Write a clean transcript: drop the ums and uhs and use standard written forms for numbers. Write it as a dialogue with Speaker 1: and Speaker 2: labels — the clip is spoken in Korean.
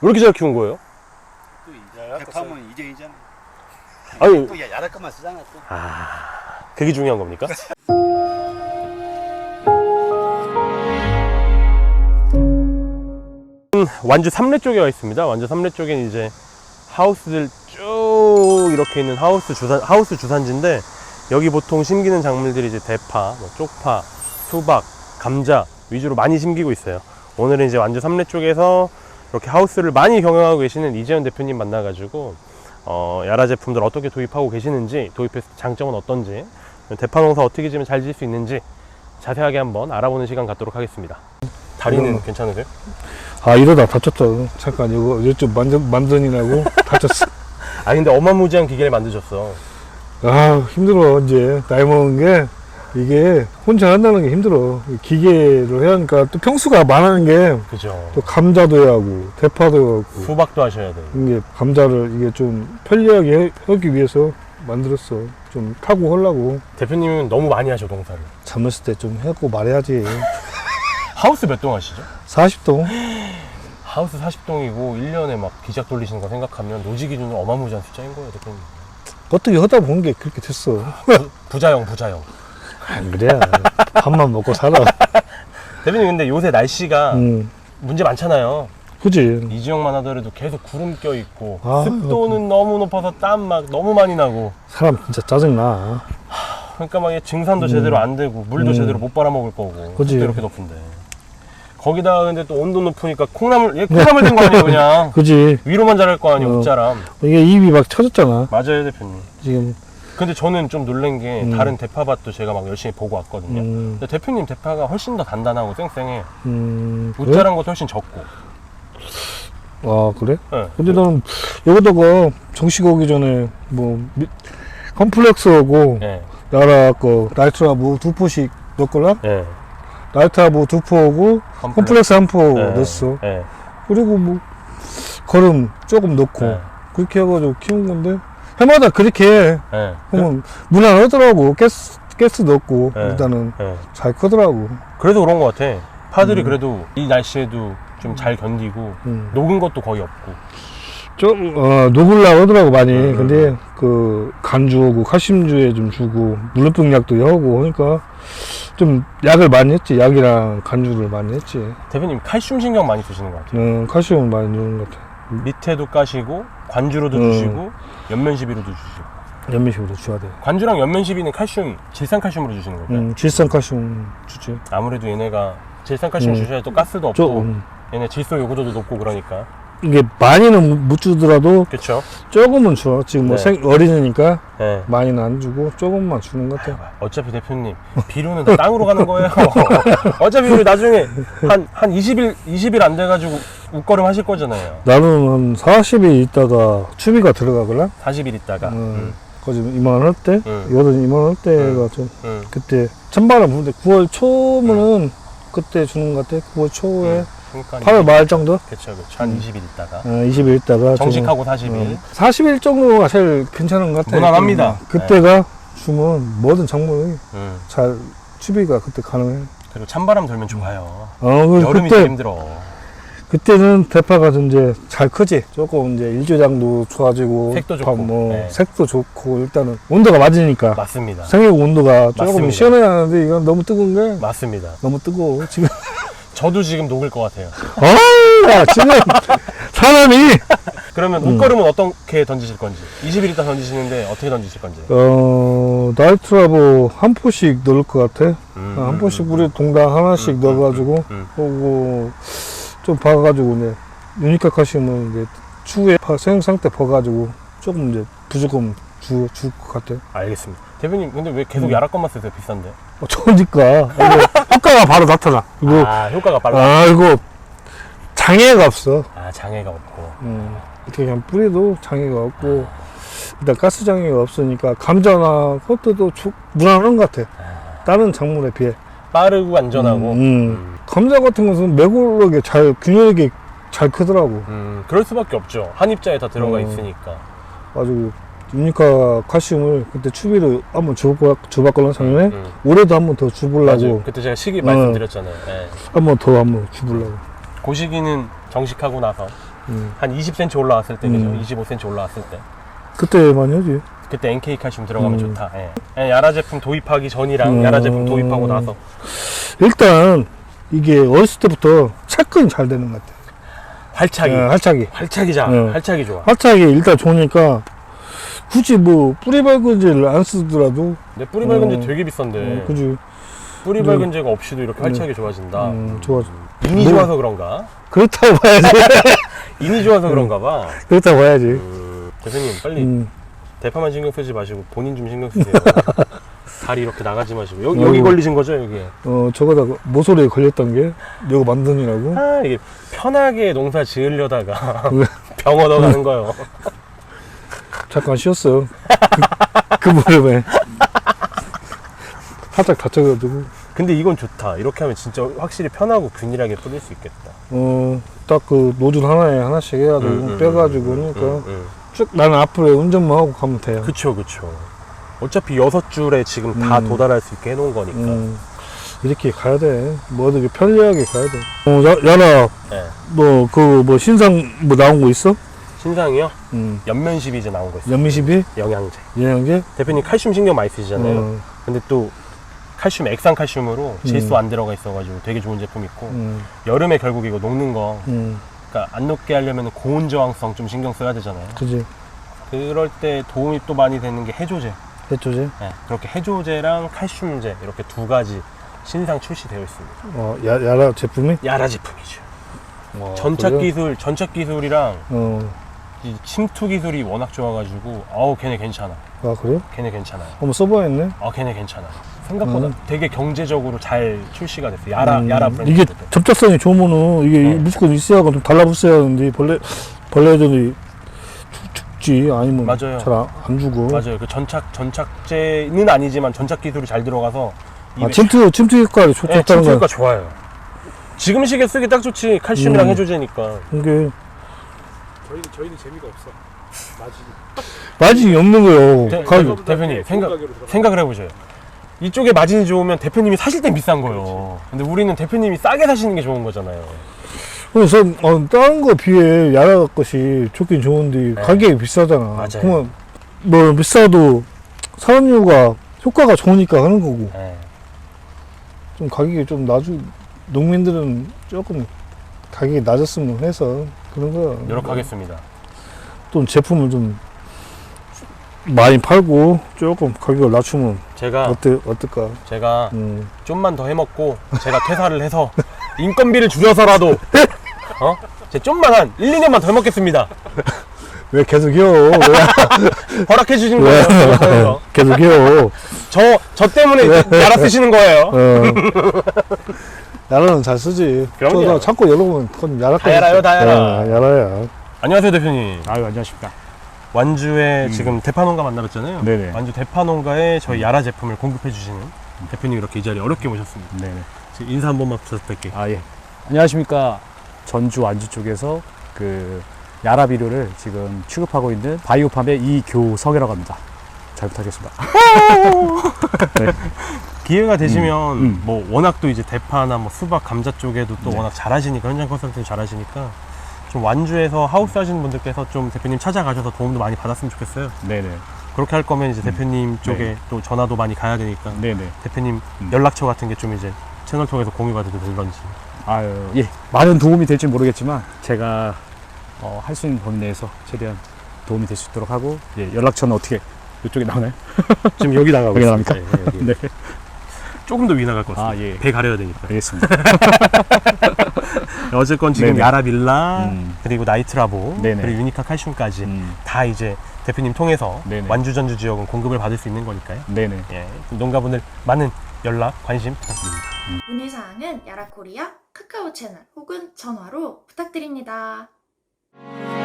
Speaker 1: 왜 이렇게 잘 키운 거예요?
Speaker 2: 또 대파면 이정이잖아.
Speaker 1: 아니,
Speaker 2: 또 야랄 것만 쓰잖아 또.
Speaker 1: 그게 중요한 겁니까? 완주 3례 쪽에 와 있습니다. 완주 3례 쪽엔 이제 하우스들 쭉 이렇게 있는 하우스 주산지인데, 여기 보통 심기는 작물들이 이제 대파, 뭐 쪽파, 수박, 감자 위주로 많이 심기고 있어요. 오늘은 이제 완주 3례 쪽에서 이렇게 하우스를 많이 경영하고 계시는 이재현 대표님 만나가지고 야라 제품들 어떻게 도입하고 계시는지, 도입했을 때 장점은 어떤지, 대파 농사 어떻게 지면 잘 지을 수 있는지 자세하게 한번 알아보는 시간 갖도록 하겠습니다. 다리는 괜찮으세요?
Speaker 3: 아, 이러다 다쳤다. 잠깐 이거 좀 만드느라고 다쳤어.
Speaker 1: 아, 근데 어마무지한 기계를 만드셨어.
Speaker 3: 아, 힘들어. 이제 나이 먹은 게 이게 혼자 한다는 게 힘들어. 기계로 해야 하니까 또 평수가 많은 게
Speaker 1: 그죠.
Speaker 3: 또 감자도 해야 하고 대파도 해야 하고
Speaker 1: 수박도 하셔야 돼요.
Speaker 3: 이게 감자를 이게 좀 편리하게 하기 위해서 만들었어. 좀 타고 하려고.
Speaker 1: 대표님은 너무 많이 하셔, 농사를.
Speaker 3: 젊었을 때 좀 하고 말해야지.
Speaker 1: 하우스 몇 동 하시죠?
Speaker 3: 40동.
Speaker 1: 하우스 40동이고 1년에 막 기작 돌리시는 거 생각하면 노지 기준으로 어마무지한 숫자인 거예요, 대표님.
Speaker 3: 어떻게 하다 보는 게 그렇게 됐어.
Speaker 1: 부자형.
Speaker 3: 안 그래. 밥만 먹고 살아.
Speaker 1: 대표님, 근데 요새 날씨가 문제 많잖아요.
Speaker 3: 그지.
Speaker 1: 이지역만 하더라도 계속 구름 껴 있고,
Speaker 3: 아,
Speaker 1: 습도는 너무 높아서 땀 막 너무 많이 나고,
Speaker 3: 사람 진짜 짜증나.
Speaker 1: 그러니까 막 증산도 제대로 안 되고 물도 제대로 못 빨아먹을 거고,
Speaker 3: 그치.
Speaker 1: 습도 이렇게 높은데 거기다가 근데 또 온도 높으니까 콩나물 된 거 아니에요 그냥.
Speaker 3: 그지.
Speaker 1: 위로만 자랄 거 아니에요. 옷자람.
Speaker 3: 이게 입이 막 쳐졌잖아.
Speaker 1: 맞아요, 대표님.
Speaker 3: 지금.
Speaker 1: 근데 저는 좀 놀란 게 다른 대파밭도 제가 막 열심히 보고 왔거든요. 근데 대표님 대파가 훨씬 더 단단하고 쌩쌩해. 옷자란 것도 훨씬 적고.
Speaker 3: 아, 그래?
Speaker 1: 네.
Speaker 3: 근데 나는 여기다가 정식 오기 전에 뭐 컴플렉스하고
Speaker 1: 네.
Speaker 3: 나라 거 나이트라보 2포씩 넣었걸라?
Speaker 1: 네.
Speaker 3: 나이트라보 2포하고 컴플렉스 1포 넣었어.
Speaker 1: 네.
Speaker 3: 그리고 뭐 거름 조금 넣고
Speaker 1: 네.
Speaker 3: 그렇게 해가지고 키운 건데 해마다 그렇게 해.
Speaker 1: 네.
Speaker 3: 그러면 무난하더라고. 가스 넣고
Speaker 1: 네.
Speaker 3: 일단은
Speaker 1: 네.
Speaker 3: 잘 크더라고.
Speaker 1: 그래서 그런 것 같아. 파들이 그래도 이 날씨에도 좀 잘 견디고 녹은 것도 거의 없고.
Speaker 3: 좀 녹으려고 하더라고 많이. 근데 그 간주하고 칼슘주에 좀 주고 물렁병 약도 하고 하니까 좀 약을 많이 했지. 약이랑 간주를 많이 했지.
Speaker 1: 대표님 칼슘 신경 많이 쓰시는 것 같아요.
Speaker 3: 칼슘을 많이 주는 것 같아.
Speaker 1: 밑에도 까시고 관주로도 주시고 연면 시비로도 주시고.
Speaker 3: 연면식으로 줘야 돼.
Speaker 1: 관주랑 연면 시비는 칼슘, 질산 칼슘으로 주시는 걸까요?
Speaker 3: 질산 칼슘 주지.
Speaker 1: 아무래도 얘네가 질산 칼슘 주셔야 또 가스도 없고 얘네 질소 요구도도 높고 그러니까.
Speaker 3: 이게 많이는 못 주더라도
Speaker 1: 그렇죠.
Speaker 3: 조금은 줘. 지금 뭐
Speaker 1: 네.
Speaker 3: 어린이니까
Speaker 1: 네.
Speaker 3: 많이는 안 주고 조금만 주는 것 같아.
Speaker 1: 어차피 대표님 비료는 다 땅으로 가는 거예요. 어차피 우리 나중에 한 20일 안 돼가지고 웃거름 하실 거잖아요.
Speaker 3: 나는 한 40일 있다가 추비가 들어가거나
Speaker 1: 40일 있다가.
Speaker 3: 거기 이만할 때, 여든 이만할 때가 좀 그때 찬바람 부는데 9월 초면은 그때 주는 것 같아. 9월 초에
Speaker 1: 그러니까
Speaker 3: 8월 말 정도?
Speaker 1: 그쵸. 한 20일 있다가
Speaker 3: 20일 있다가
Speaker 1: 정식하고 40일
Speaker 3: 40일 정도가 제일 괜찮은 것 같아.
Speaker 1: 무난합니다.
Speaker 3: 그때가 주면 모든 작물이 잘 추비가 그때 가능해.
Speaker 1: 그리고 찬바람 돌면 좋아요.
Speaker 3: 그때,
Speaker 1: 여름이 제일 힘들어.
Speaker 3: 그때는 대파가 이제 잘 크지. 조금 이제 일조장도 좋아지고
Speaker 1: 색도 좋고,
Speaker 3: 뭐
Speaker 1: 네.
Speaker 3: 색도 좋고 일단은 온도가 맞으니까.
Speaker 1: 맞습니다.
Speaker 3: 생육 온도가 조금
Speaker 1: 맞습니다.
Speaker 3: 시원해야 하는데 이건 너무 뜨거운 게
Speaker 1: 맞습니다.
Speaker 3: 너무 뜨거워 지금.
Speaker 1: 저도 지금 녹을 것 같아요.
Speaker 3: 야, 지금 사람이
Speaker 1: 그러면 옷걸음은 어떻게 던지실 건지, 20일 있다 던지시는데 어떻게 던지실 건지.
Speaker 3: 나이트라보 한 포씩 넣을 것 같아. 한 포씩 우리 동당 하나씩 넣어가지고 그리고 좀 봐가지고 이제 유니카 칼슘은 이제 추후에 생육 상태 봐가지고 조금 이제 부족금 줄 것 같아.
Speaker 1: 알겠습니다. 대표님 근데 왜 계속 야라 것만 쓰세요? 비싼데?
Speaker 3: 좋으니까 이거 효과가 바로 나타나. 이거
Speaker 1: 효과가 빨라.
Speaker 3: 이거 장애가 없어.
Speaker 1: 장애가 없고.
Speaker 3: 어떻게 그냥 뿌리도 장애가 없고 일단 가스 장애가 없으니까 감자나 그것도 무난한 것 같아. 다른 작물에 비해
Speaker 1: 빠르고 안전하고.
Speaker 3: 감자 같은 것은 매골하게 잘 균형 있게 잘 크더라고.
Speaker 1: 그럴 수밖에 없죠. 한 입자에 다 들어가 있으니까.
Speaker 3: 가지고 유니카 칼슘을 그때 추비로 한번 줘봤거든 작년에. 올해도 한번 더 줘보려고.
Speaker 1: 맞아요. 그때 제가 시기 말씀드렸잖아요. 네.
Speaker 3: 한번 더 줘보려고.
Speaker 1: 그 시기는 정식하고 나서 한 20cm 올라왔을 때, 그죠? 25cm 올라왔을 때.
Speaker 3: 그때 많이 하지.
Speaker 1: 그때 NK 칼슘 들어가면 좋다. 예. 야라 제품 도입하기 전이랑 야라 제품 도입하고 나서.
Speaker 3: 일단 이게 어렸을 때부터 착근이 잘 되는 것 같아.
Speaker 1: 활착이.
Speaker 3: 활착이.
Speaker 1: 활착이 좋아.
Speaker 3: 활착이 일단 좋으니까 굳이 뭐 뿌리 밝은제를 안 쓰더라도.
Speaker 1: 근데 뿌리 밝은제 되게 비싼데.
Speaker 3: 그지.
Speaker 1: 뿌리 밝은제가 없이도 이렇게 활착이 좋아진다.
Speaker 3: 좋아.
Speaker 1: 인이 좋아서 그런가?
Speaker 3: 그렇다고 봐야지.
Speaker 1: 인이 좋아서 그런가 봐.
Speaker 3: 그렇다고 봐야지.
Speaker 1: 대표님 빨리 대파만 신경 쓰지 마시고 본인 좀 신경 쓰세요. 다리 이렇게 나가지 마시고 여기 걸리신 거죠 여기?
Speaker 3: 저거다 모서리에 걸렸던 게 여기 만든이라고.
Speaker 1: 아 이게 편하게 농사 지으려다가 병 얻어가는 거요.
Speaker 3: 잠깐 쉬었어. 그 무렵에 살짝 다쳐가지고.
Speaker 1: 근데 이건 좋다. 이렇게 하면 진짜 확실히 편하고 균일하게 뿌릴 수 있겠다.
Speaker 3: 딱 그 노즐 하나에 하나씩 해가지고 빼가지고 그러니까 쭉 나는 앞으로 운전만 하고 가면 돼요.
Speaker 1: 그쵸. 어차피 6줄에 지금 다 도달할 수 있게 해놓은 거니까.
Speaker 3: 이렇게 가야 돼. 뭐든 편리하게 가야 돼. 야라,
Speaker 1: 네.
Speaker 3: 너 그 뭐 신상 뭐 나온 거 있어?
Speaker 1: 신상이요? 연면십이 이제 나온 거 있어요.
Speaker 3: 연미십이?
Speaker 1: 영양제.
Speaker 3: 영양제?
Speaker 1: 대표님 칼슘 신경 많이 쓰시잖아요. 근데 또 칼슘, 액상 칼슘으로 질소 안 들어가 있어가지고 되게 좋은 제품 있고 여름에 결국 이거 녹는 거 그러니까 안 녹게 하려면 고온 저항성 좀 신경 써야 되잖아요.
Speaker 3: 그지.
Speaker 1: 그럴 때 도움이 또 많이 되는 게 해조제.
Speaker 3: 해조제?
Speaker 1: 네, 그렇게 해조제랑 칼슘제 이렇게 두 가지 신상 출시되어 있습니다.
Speaker 3: 야라 제품이?
Speaker 1: 야라 제품이죠.
Speaker 3: 그래요?
Speaker 1: 전착 기술이랑 이 침투 기술이 워낙 좋아가지고 걔네 괜찮아.
Speaker 3: 아 그래요?
Speaker 1: 걔네 괜찮아요.
Speaker 3: 한번 써봐야겠네.
Speaker 1: 걔네 괜찮아. 생각보다 되게 경제적으로 잘 출시가 됐어요. 야라 브랜드.
Speaker 3: 이게 접착성이 좋으면은 이게 무조건 있어야 좀 달라붙어야 하는데 벌레들이 죽지 아니면
Speaker 1: 맞아요.
Speaker 3: 잘 안 죽어.
Speaker 1: 맞아요. 그 전착제는 아니지만 전착 기술이 잘 들어가서
Speaker 3: 침투 효과를 좋다는
Speaker 1: 침투
Speaker 3: 거야.
Speaker 1: 효과 좋아요. 지금 시기에 쓰기 딱 좋지. 칼슘이랑 해조제니까.
Speaker 3: 이게
Speaker 4: 저희는 재미가 없어.
Speaker 3: 마진이 없는 거예요.
Speaker 1: 대표님 생각을 해보세요. 이쪽에 마진이 좋으면 대표님이 사실 땐 비싼 거예요. 근데 우리는 대표님이 싸게 사시는 게 좋은 거잖아요.
Speaker 3: 그래서 다른 거 비해 야라 것이 좋긴 좋은데 가격이 비싸잖아.
Speaker 1: 맞아요.
Speaker 3: 그러면 뭐 비싸도 사는 이유가 효과가 좋으니까 하는 거고.
Speaker 1: 네.
Speaker 3: 좀 가격이 좀 농민들은 조금 가격이 낮았으면 해서 그런 거야.
Speaker 1: 노력하겠습니다.
Speaker 3: 또 제품을 좀 많이 팔고 조금 가격을 낮추면 어떨까?
Speaker 1: 제가 좀만 더 해먹고 제가 퇴사를 해서 인건비를 줄여서라도 제 좀만 한 1, 2년만 더 해먹겠습니다.
Speaker 3: 왜 계속 해요?
Speaker 1: 허락해 주신 거예요.
Speaker 3: 계속 해요.
Speaker 1: 저 때문에 야라 쓰시는 거예요.
Speaker 3: 야라는 잘 쓰지.
Speaker 1: 그럼요.
Speaker 3: 자꾸 여러분 그건 야라
Speaker 1: 다 야라요, 다 야라.
Speaker 3: 야라야.
Speaker 1: 안녕하세요 대표님.
Speaker 4: 아유 안녕하십니까.
Speaker 1: 완주에 지금 대파농가 만나봤잖아요.
Speaker 4: 네네.
Speaker 1: 완주 대파농가에 저희 야라 제품을 공급해 주시는 대표님 이렇게 이 자리에 어렵게 모셨습니다.
Speaker 4: 네네.
Speaker 1: 지금 인사 한 번만 부탁드릴게요.
Speaker 4: 예. 안녕하십니까. 전주 완주 쪽에서 그 야라 비료를 지금 취급하고 있는 바이오팜의 이교석이라고 합니다. 잘 부탁드리겠습니다. 네.
Speaker 1: 기회가 되시면 뭐 워낙 또 이제 대파나 뭐 수박, 감자 쪽에도 또 워낙 잘하시니까 현장 컨설팅 잘하시니까 좀 완주에서 하우스 하시는 분들께서 좀 대표님 찾아가셔서 도움도 많이 받았으면 좋겠어요.
Speaker 4: 네네.
Speaker 1: 그렇게 할 거면 이제 대표님 쪽에 또 전화도 많이 가야 되니까
Speaker 4: 네네.
Speaker 1: 대표님 연락처 같은 게 좀 이제 채널 통해서 공유가 되든지.
Speaker 4: 예. 많은 도움이 될지 모르겠지만 제가 할 수 있는 범위 내에서 최대한 도움이 될 수 있도록 하고 연락처는 어떻게 이쪽에 나오나요?
Speaker 1: 지금 여기 나가고
Speaker 4: 여기
Speaker 1: 있습니다.
Speaker 4: 나갑니까?
Speaker 1: 여기.
Speaker 4: 네.
Speaker 1: 조금 더 위 나갈 것 같습니다.
Speaker 4: 예.
Speaker 1: 배 가려야 되니까.
Speaker 4: 알겠습니다.
Speaker 1: 어쨌건 지금
Speaker 4: 네네.
Speaker 1: 야라빌라 그리고 나이트라보
Speaker 4: 네네.
Speaker 1: 그리고 유니카 칼슘까지 다 이제 대표님 통해서
Speaker 4: 네네.
Speaker 1: 완주 전주 지역은 공급을 받을 수 있는 거니까요.
Speaker 4: 네네.
Speaker 1: 예, 농가분들 많은 연락 관심 부탁드립니다.
Speaker 5: 문의사항은 야라코리아 카카오 채널 혹은 전화로 부탁드립니다.